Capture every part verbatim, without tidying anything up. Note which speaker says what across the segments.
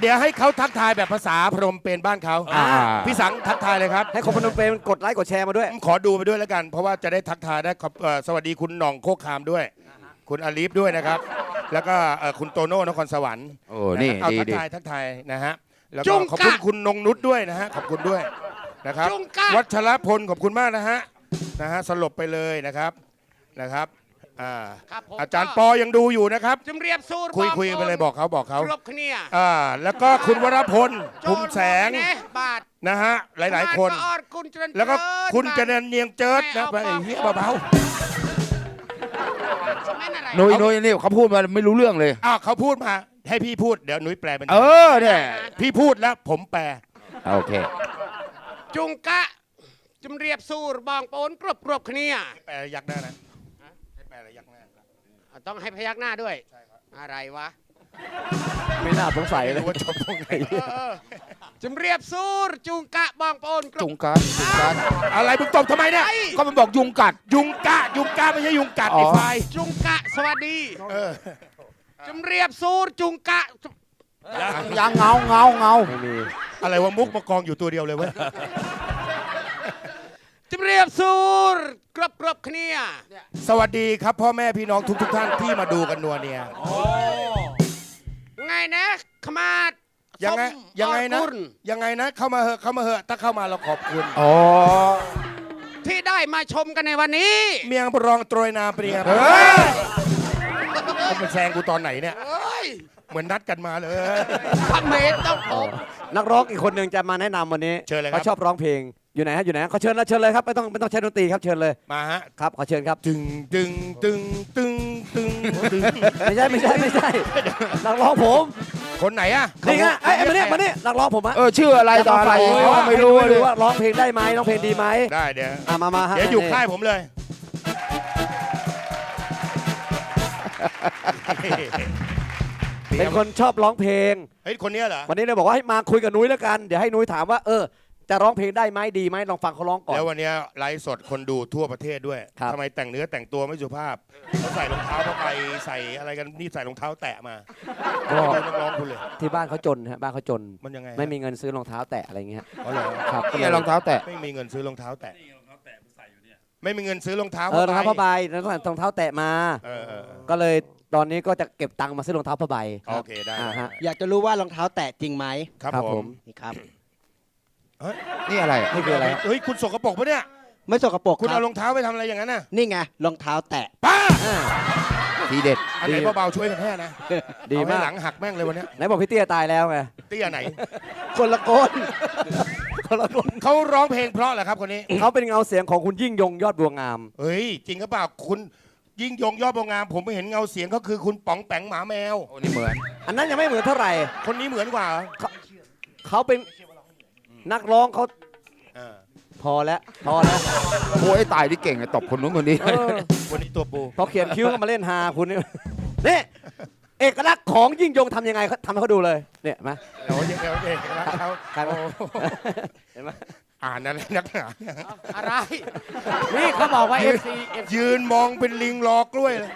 Speaker 1: ดี๋ยวให้เขาทักทายแบบภาษาพนมเปญบ้านเขาพี่สังทักทายเลยครับ
Speaker 2: ให้คนพนมเปญกดไลค์กดแชร์มาด้วย
Speaker 1: ขอดูไปด้วยแล้วกันเพราะว่าจะได้ทักทายได้สวัสดีคุณหน่องโคกคามด้วยคุณอาลีฟด้วยนะครับแล้วก็คุณโตโน่นครสวรรค์
Speaker 3: โอ้นี่
Speaker 1: เอาทักทายทักทายนะฮะแล้วก็ขอบคุณคุณนงนุชด้วยนะฮะขอบคุณด้วยนะครับวัชรพลขอบคุณมากนะฮะนะฮะสลบไปเลยนะครับนะครับอาจารย์ปอยังดูอยู่นะครับ
Speaker 4: จำเรียบสู้
Speaker 1: คุยคุยไปเลยบอกเขาบอกเขา
Speaker 4: ครบเนี่ย
Speaker 1: อ่าแล้วก็คุณวรพลภูมิแสงนะฮะหลายๆคนแล้วก็คุณเจริญเนียงเจิดนะไปเฮียเบา
Speaker 3: ๆนุ้ยนุ้ยนี่เขาพูดมาไม่รู้เรื่องเลย
Speaker 1: อ้าวเขาพูดมาให้พี่พูดเดี๋ยวนุ้ยแปลเป็น
Speaker 3: เออเนี่ย
Speaker 1: พี่พูดแล้วผมแปล
Speaker 3: โอเค
Speaker 4: จุงกะจำเรียบสู้บองโปนกรบกรบเนี่ย
Speaker 1: แปลยักหน้านะให้แปลยักหน้า
Speaker 4: ต้องให้พยักหน้าด้วยอะไรวะ
Speaker 2: ไม่น่าสงสัยเลย
Speaker 1: ว่าจบตรงไหน
Speaker 4: จำเรียบสู้จุงกะบองโปน
Speaker 3: จุงกะจุงกะ
Speaker 1: อะไรมึงตบทำไมเนี่ย
Speaker 3: ก็มันบอกยุงกัด
Speaker 1: ยุงกะยุงกะไม่ใช่ยุงกัดไอ้ไฟ
Speaker 4: จุงกะสวัสดีจำเรียบสู้จุงกะ
Speaker 3: ยังเงาเงาเงา
Speaker 1: ไม่มีอะไรวะมุกมากองอยู่ตัวเดียวเลยเว้ย
Speaker 4: จำเรียบสู้กรบกรบเนี่ย
Speaker 1: สวัสดีครับพ่อแม่พี่น้องทุกทุกท่านที่มาดูกันนัวเนี่ย
Speaker 4: ไงนะขมาด
Speaker 1: ยังไงยังไงนะยังไงนะเข้ามาเหอะเข้ามาเหอะถ้าเข้ามาเราขอบคุณ
Speaker 3: อ๋อ
Speaker 4: ที่ได้มาชมกันในวันนี้
Speaker 1: เมียงรองโตรยนาเปรียบมันแซงกูตอนไหนเนี่ยเหมือนนัดกันมาเลย
Speaker 4: พระเมธต้องผม
Speaker 2: นักร้องอีกคนหนึ่งจะมาแนะนำวันนี้
Speaker 1: เชิญเลยครับ
Speaker 2: เขาชอบร้องเพลงอยู่ไหนฮะอยู่ไหนเขาเชิญแล้วเชิญเลยครับไม่ต้องไม่ต้องใช้ดนตรีครับเชิญเลย
Speaker 1: มาฮะ
Speaker 2: ครับขอเชิญครับ
Speaker 1: ตึงตึงตึงตึงตึงตึง
Speaker 2: ไม่ใช่ไม่ใช่ไม่ใช่นักร้องผม
Speaker 1: คนไหนอะ
Speaker 2: นี่ไงไอ้มาเนี่ยมาเนี่ยนักร้องผมฮะ
Speaker 3: เออชื่ออะไรตอนอะไร
Speaker 2: ไม่รู้ไม่รู้ว่าร้องเพลงได้ไหมร้องเพลงดีไหม
Speaker 1: ได้เดี๋ยว
Speaker 2: มามาฮะ
Speaker 1: เดี๋ยวอยู่ค่ายผมเลย
Speaker 2: เป็นคนชอบร้องเพลง
Speaker 1: เฮ้ยคนนี้เหรอ
Speaker 2: วันนี้เลยบอกว่าให้มาคุยกับนุ้ยแล้วกันเดี๋ยวให้นุ้ยถามว่าเออจะร้องเพลงได้ไหมดีไหมลองฟังเขาร้องก่อน
Speaker 1: แล้ววันนี้ไลฟ์สดคนดูทั่วประเทศด้วยทำไมแต่งเนื้อแต่งตัวไม่สุภาพเขาใส่รองเท้าผ้าใบใส่อะไรกันนี่ใส่รองเท้าแตะมาก็นักร้องคุณเลย
Speaker 2: ที่บ้านเขาจนฮะบ้านเขาจน
Speaker 1: มันยังไง
Speaker 2: ไม่มีเงินซื้อรองเท้าแตะอะไรเงี้ย
Speaker 1: อ๋อเหรอ
Speaker 2: ครับ
Speaker 3: ก็เลยรองเท้าแตะ
Speaker 1: ไม่มีเงินซื้อรองเท้าแตะไม่มีเงินซื้อรองเท้า
Speaker 2: เออรองเท้าผ้าใบแล้วก็รองเท้าแตะมาก็เลยตอนนี้ก็จะเก็บตังค์มาซื้อรองเท้าผ้าใบ
Speaker 1: โอเคได้
Speaker 2: ฮะ
Speaker 5: อยากจะรู้ว่ารองเท้าแตะจริงไหม
Speaker 1: ครับผม
Speaker 5: นี่ครับ
Speaker 3: นี่อะไร
Speaker 2: นี่คืออะไร
Speaker 1: เฮ้ยคุณสกปรกปะเนี่ย
Speaker 5: ไม่สกปรก
Speaker 1: คุณเอารองเท้าไปทำอะไรอย่างนั้นน่ะ
Speaker 5: นี่ไงรองเท้าแตะ
Speaker 1: ป้า
Speaker 3: ทีเด็ด
Speaker 1: อันไหนเบาๆช่วยกันแค่นะ
Speaker 2: ดีมาก
Speaker 1: หลังหักแม่งเลยวันนี้
Speaker 2: ไหนบอกพี่เตี้ยตายแล้วไง
Speaker 1: เตี้ยไหน
Speaker 5: คนละคน
Speaker 2: คนละคน
Speaker 1: เขาร้องเพลงเพราะเหรอครับคนนี้
Speaker 2: เขาเป็นเงาเสียงของคุณยิ่งยงยอดบัวงาม
Speaker 1: เฮ้ยจริงหรือเปล่าคุณยิ่งยงยอดบัวงามผมไม่เห็นเงาเสียงเขาคือคุณป๋องแปงหมาแมว
Speaker 3: โอ้นี่เหมือน
Speaker 2: อันนั้นยังไม่เหมือนเท่าไหร่
Speaker 1: คนนี้เหมือนกว่า
Speaker 2: เขาเป็นนักร้องเขาพอแล้วพอแล้ว
Speaker 3: โอ้ยตายที่เก่งตบคนนู้นคนนี้
Speaker 1: วันนี้ตัวปู
Speaker 2: พอเขียนคิ้วก็มาเล่นฮาคุณนี่นี่เอกลักษณ์ของยิ่งยงทำยังไงทำให้เขาดูเลยเนี่ยมา
Speaker 1: โอ้ยเอกลักษณ์เขา
Speaker 2: เห็นไหม
Speaker 1: อ่านอะไรนักหนา
Speaker 4: อะไรนี่เขาบอกว่าเอฟซี
Speaker 1: ยืนมองเป็นลิงรอกล้วยเลย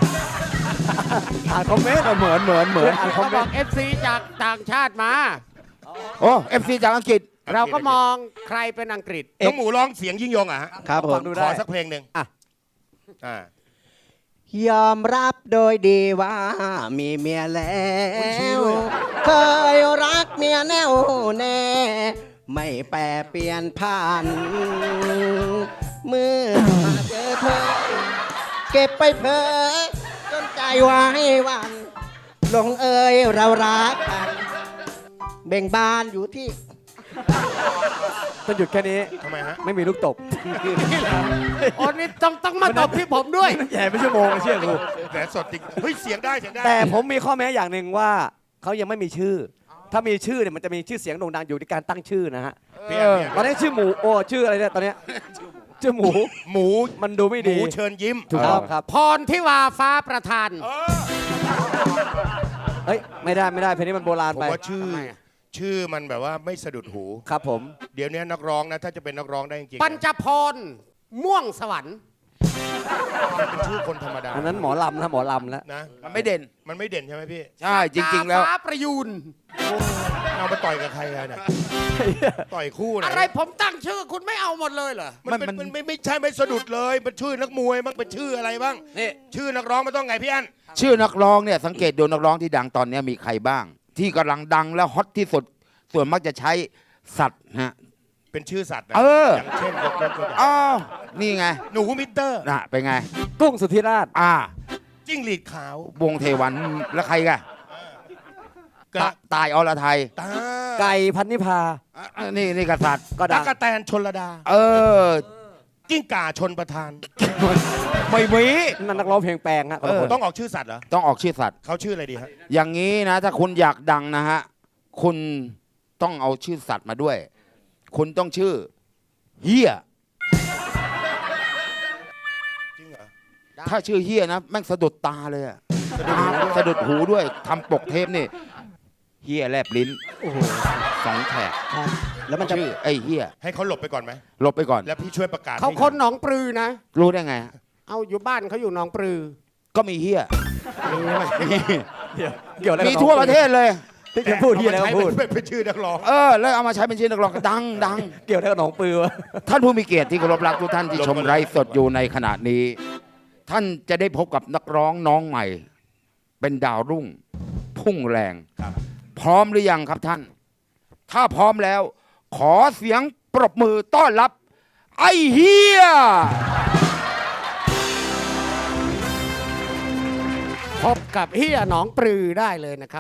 Speaker 2: อ่านคอมเมนต์เหมือนเหมือนเหมือนอ่านคอมเมนต์
Speaker 4: เอฟซีจากต่างชาติมา
Speaker 3: โอ้เอฟซีจากอังกฤษ
Speaker 4: เราก็มองใครเป็นอังกฤษ
Speaker 1: น้องหมูร้องเสียงยิ่งยงอ่ะ
Speaker 2: ครับผม
Speaker 1: ขอสักเพลงหนึ่งอ่ะ
Speaker 5: อ่ายอมรับโดยดีว่ามีเมียแล้วเคยรักเมียแน่วแน่ไม่แปรเปลี่ยนผ่านเมื่อมาเจอเธอเก็บไปเพ้อจนใจไว้วันลงเอยเรารักกันเบ่งบานอยู่ที่
Speaker 2: ต้องหยุดแค่นี้
Speaker 1: ทำไมฮะ
Speaker 2: ไม่มีลูกตบ
Speaker 4: อ๋อนี่ต้องต้องมาตบที่ผมด้วย
Speaker 2: แย่ไม่ชั่วโมงเชื่อกู
Speaker 1: แต่สดจริงเฮ้ยเสียงได้เสียงได้
Speaker 2: แต่ผมมีข้อแม้อย่างหนึ่งว่าเขายังไม่มีชื่อถ้ามีชื่อเนี่ยมันจะมีชื่อเสียงโด่งดังอยู่ในการตั้งชื่อนะฮะตอนนี้ชื่อหมูโอ้ชื่ออะไรเนี่ยตอนนี้ชื่อหมู
Speaker 1: หมู
Speaker 2: มันดูไม่ดี
Speaker 1: หมูเชิญยิ้ม
Speaker 2: ถูกต้องครับ
Speaker 4: พรทิวาฟ้าประธาน
Speaker 2: เฮ้ยไม่ได้ไม่ได้เพลงนี้มันโบราณไป
Speaker 1: ผมว่าชื่อชื่อมันแบบว่าไม่สะดุดหู
Speaker 2: ครับผม
Speaker 1: เดี๋ยวนี้นักร้องนะถ้าจะเป็นนักร้องได้จริง
Speaker 4: ปัญจพรม่วงสวรรค์
Speaker 1: มันเป็นชื่อคนธรรมดา
Speaker 2: อันนั้นหมอลำนะหมอลำแล้ว
Speaker 1: นะ
Speaker 3: มันไม่เด่น
Speaker 1: มันไม่เด่นใช่ไหมพี่
Speaker 3: ใช่จริง ๆ แล้ว
Speaker 4: ฟ้าประยูน
Speaker 1: เอามาต่อยกับใครกันเนี่ยต่อยคู่นะ
Speaker 4: อะไรผมตั้งชื่อคุณไม่เอาหมดเลยเหรอ
Speaker 1: มันเป็น
Speaker 3: มัน
Speaker 1: มันไม่ไม่ใช่ไม่สะดุดเลยมันชื่อนักมวยมันเป็นชื่ออะไรบ้าง
Speaker 2: นี่
Speaker 1: ชื่อนักร้องมันต้องไงพี่อัน
Speaker 3: ชื่อนักร้องเนี่ยสังเกตดูนักร้องที่ดังตอนนี้มีใครบ้าง ที่กำลังดังและฮอตที่สุดส่วนมากจะใช้สัตว์ฮะ
Speaker 1: เป็นชื่อสัตว์นะ
Speaker 3: เออ
Speaker 1: อย่างเช่นยกยกตัวอย่าง
Speaker 3: อ้าวนี่ไง
Speaker 1: หนูมิเตอร์
Speaker 3: น่ะเป็นไง
Speaker 2: กุ้งสุธิราช
Speaker 3: อ่า
Speaker 1: จิ้งหรีดขาว
Speaker 3: วงเทวันแล้วใครกัน
Speaker 1: กระ
Speaker 3: ตายอรไทย
Speaker 1: ตา
Speaker 2: ไก่พันนิพา
Speaker 3: อ่ะนี่นี่กษัตริย์
Speaker 2: ก็
Speaker 1: ตะ
Speaker 2: ดัง
Speaker 1: กะแตนชนระดา
Speaker 3: เออ
Speaker 1: กิ้งก่าชนประธาน
Speaker 3: ไม่มี
Speaker 2: นั่นนักร้องเพลงแปลงฮะคนละ
Speaker 3: เออ
Speaker 2: คน
Speaker 1: ต้องออกชื่อสัตว์เหรอ
Speaker 3: ต้องออกชื่อสัตว์
Speaker 1: เขาชื่ออะไรดีฮะ
Speaker 3: อย่างนี้นะ ถ้าคุณอยากดังนะฮะ คุณต้องเอาชื่อสัตว์มาด้วย คุณต้องชื่อเฮีย
Speaker 1: จริงเหรอ
Speaker 3: ถ้าชื่อเฮียนะแม่งสะดุดตาเลยอะสะดุดหูด้วยทำปกเทปนี่เฮียแลบลิ้น
Speaker 2: โอ้โห
Speaker 3: สองแฉก
Speaker 5: ครับแล้วมันจะ
Speaker 3: ชื่อไอ้เฮีย
Speaker 1: ให้เขาหลบไปก่อนไหม
Speaker 3: หลบไปก่อน
Speaker 1: แล้วพี่ช่วยประกาศ
Speaker 4: เขา
Speaker 1: ให้
Speaker 4: คนหนองปลือนะ
Speaker 3: รู้ได้ไงฮะ
Speaker 4: เอาอยู่บ้านเขาอยู่หนองปลือ
Speaker 3: ก็มีเฮีย
Speaker 2: เกี่ยวอะไรกับ
Speaker 3: มีทั่วประเทศเลย
Speaker 2: ที่จะพูดที่อะไรก็
Speaker 1: เอามา
Speaker 2: พูด
Speaker 1: ใช้เป็นเป็นชื่อนักร้อง
Speaker 3: เออ แล้วเอามาใช้เป็นชื่อนักร้องดังดัง
Speaker 2: เกี่ยวอะไรกับหนองปือวะ
Speaker 3: ท่านผู้มีเกียรติที่เคารพรักทุกท่านที่ชมไลฟ์สดอยู่ในขณะนี้ ท่านจะได้พบกับนักร้องน้องใหม่ เป็นดาวรุ่ง พุ่งแรง
Speaker 1: ครับ
Speaker 3: พร้อมหรือยังครับท่าน ถ้าพร้อมแล้ว ขอเสียงปรบมือต้อนรับ ไอ้เฮีย
Speaker 4: พบกับเฮียหนองปลือได้เลยนะครับ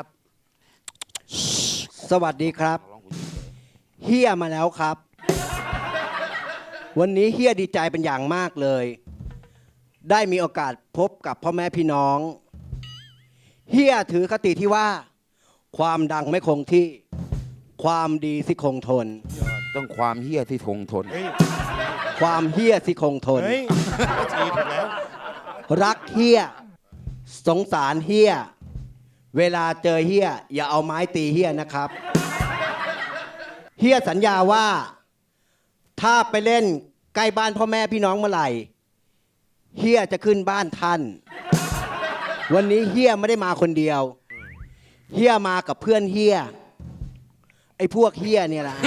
Speaker 5: สวัสดีครับเฮียมาแล้วครับ วันนี้เฮียดีใจเป็นอย่างมากเลย ได้มีโอกาสพบกับพ่อแม่พี่น้องเฮียถือคติที่ว่า ความดังไม่คงที่ ความดีสิคงทน
Speaker 3: ต้องความเฮียที่คงทน
Speaker 1: เฮ้ย
Speaker 5: ความเฮียสิคงทน
Speaker 1: เฮ้ยทีถูกแล้ว
Speaker 5: รักเฮียสงสารเฮียเวลาเจอเฮียอย่าเอาไม้ตีเฮียนะครับเฮียสัญญาว่า ถ้าไปเล่นใกล้บ้านพ่อแม่พี่น้องเมื่อไหร่เฮียจะขึ้นบ้านท่าน วันนี้เฮียไม่ได้มาคนเดียวเฮียมากับเพื่อนเฮียไอ้พวกเฮียเนี่ยแหละ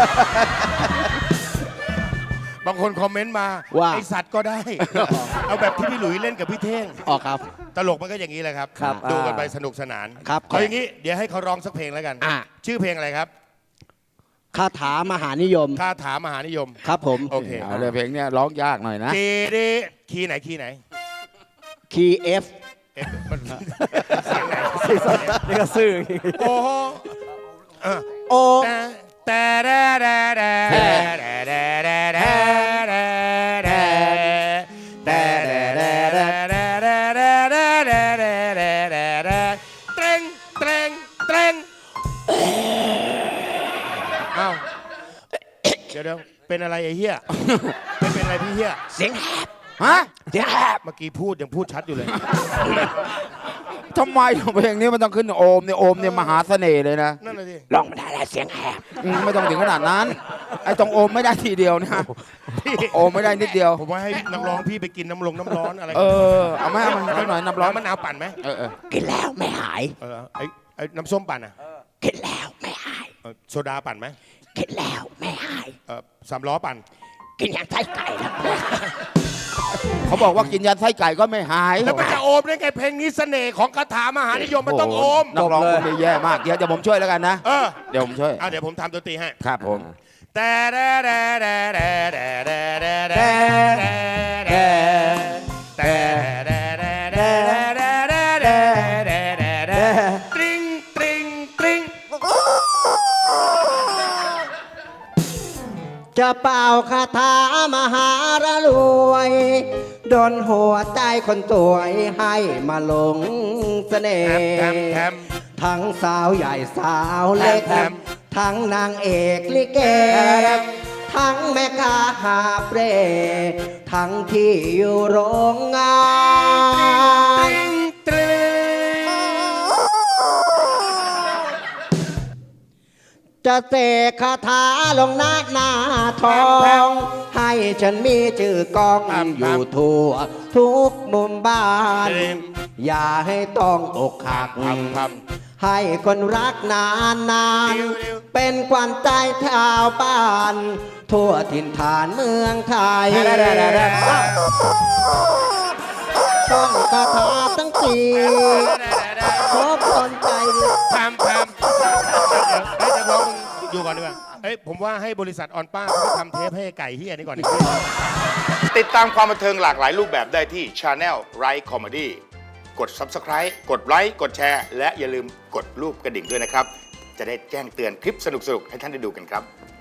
Speaker 1: บางคนคอมเมนต์มา
Speaker 5: ว่า
Speaker 1: ไอสัตว์ก็ได้ เอาแบบที่พี่หลุยเล่นกับพี่เท่ง
Speaker 5: ออกครับ
Speaker 1: ตลกมันก็อย่างนี้แหละครับ
Speaker 2: ครับ
Speaker 1: ดูกัน
Speaker 2: อ่า
Speaker 1: ไปสนุกสนาน
Speaker 5: ครับ
Speaker 1: เอาอย่างนี้เดี๋ยวให้เขาร้องสักเพลงแล้วกัน
Speaker 5: อ่ะ
Speaker 1: ชื่อเพลงอะไรครับ
Speaker 5: คาถามหานิยม
Speaker 1: คาถามหานิยม
Speaker 5: ครับผม
Speaker 1: โอเค
Speaker 3: เอาเลยเพลงเนี้ยร้องยากหน่อยนะ
Speaker 1: เดเดคีย์ไหนคีย์ไหน
Speaker 5: คีย์เอฟ
Speaker 1: เอ๊ะมันเสียงไหน
Speaker 2: นี่ก็ซื่อ
Speaker 1: โอ้โหเออ
Speaker 5: โอ
Speaker 1: แต่แต่แต่แต่แต่แต่แต่แต่แต่แต่เตรงเตรงเตรงเอ้าเดี๋ยวเดี๋ยวเป็นอะไรไอ้เหี้ยไม่เป็นอะไรพี่เหี้ย
Speaker 5: เสียงแหบ
Speaker 3: ฮะ
Speaker 5: เสียงแหบ
Speaker 1: เมื่อกี้พูดยังพูดชัดอยู่เลย
Speaker 3: ทำไมเพลงนี้มันต้องขึ้นโอมเนี่ยโอมเนี่ยมหาเสน่ห์เลยนะ
Speaker 1: นั่นเลยดิ
Speaker 5: ร้องไม่ได้แล้วเสียงแหบ
Speaker 3: อืมไม่ต้องถึงขนาดนั้น ไอ้ตรงโอมไม่ได้ทีเดียวนะโอมไม่ได้นิดเดียว
Speaker 1: ผมว่าให้นักร้องพี่ไปกินน้ำลงน้ำร้อนอะไร
Speaker 3: เออ เอาไหมเอามาสักหน่อยน้ำร้อน
Speaker 1: มะนาวปั่นไหม
Speaker 3: เออเออ
Speaker 5: กินแล้วไม่หาย
Speaker 1: เออไอ้ไอ้น้ำส้มปั่นอ่ะ
Speaker 5: กินแล้วไม่หาย
Speaker 1: เออโซดาปั่นไหม
Speaker 5: กินแล้วไม่หาย
Speaker 1: เออสามล้อปั่น
Speaker 5: กินอย่างไส้ไก่แล้วไม่หาย
Speaker 3: เขาบอกว่ากินยันไส้ไก่ก็ไม่หาย
Speaker 1: แล้วมันจะโอมได้ไงเพลงนี้เสน่ห์ของคาถามหานิยมมันต้องโอม
Speaker 3: นักร้องคนนี้แย่มาก เดี๋ยวเดี๋ยวผมช่วยแล้วกันนะ
Speaker 1: เออ
Speaker 3: เดี๋ยวผมช่วย
Speaker 1: เอาเดี๋ยวผมทำดนตรีให้
Speaker 3: ครับผม
Speaker 1: แต่แต่แต่แต่แต่แต่แต่แต่แต่ตริงตริงตริง
Speaker 5: จะเป่าคาถามหารรวยโดนหัวใจคนสวยให้มาหลงเสน่ห์
Speaker 1: แถมแถม
Speaker 5: ทั้งสาวใหญ่สาวเล็ก
Speaker 1: แถม
Speaker 5: ทั้งนางเอกลิเก ทั้งแม่ค้าหาเปร ทั้งที่อยู่โรงงาน
Speaker 1: ตริง
Speaker 5: จะเสกคาถาลงหน้าหน้าทอง ให้ฉันมีชื่อกองอยู่ทั่วทุกมุมบ้าน อย่าให้ต้องอกหัก ให้คนรักนานนานๆเป็นขวัญใจชาวบ้าน ทั่วถิ่นฐานเมืองไทยต้องคาถาทั้งสี่ขอพรใจ
Speaker 1: พามพามเฮ้ยจะร้องอยู่ก่อนดีกว่าเฮ้ยผมว่าให้บริษัทออนป้าเขาไปทำเทปให้ไก่เฮียนี่ก่อนดีกว่า
Speaker 6: ติดตามความบันเทิงหลากหลายรูปแบบได้ที่ Channel Right Comedy กด Subscribe กดไลค์กดแชร์ และอย่าลืมกดรูปกระดิ่งด้วยนะครับ จะได้แจ้งเตือนคลิปสนุกๆ ให้ท่านได้ดูกันครับ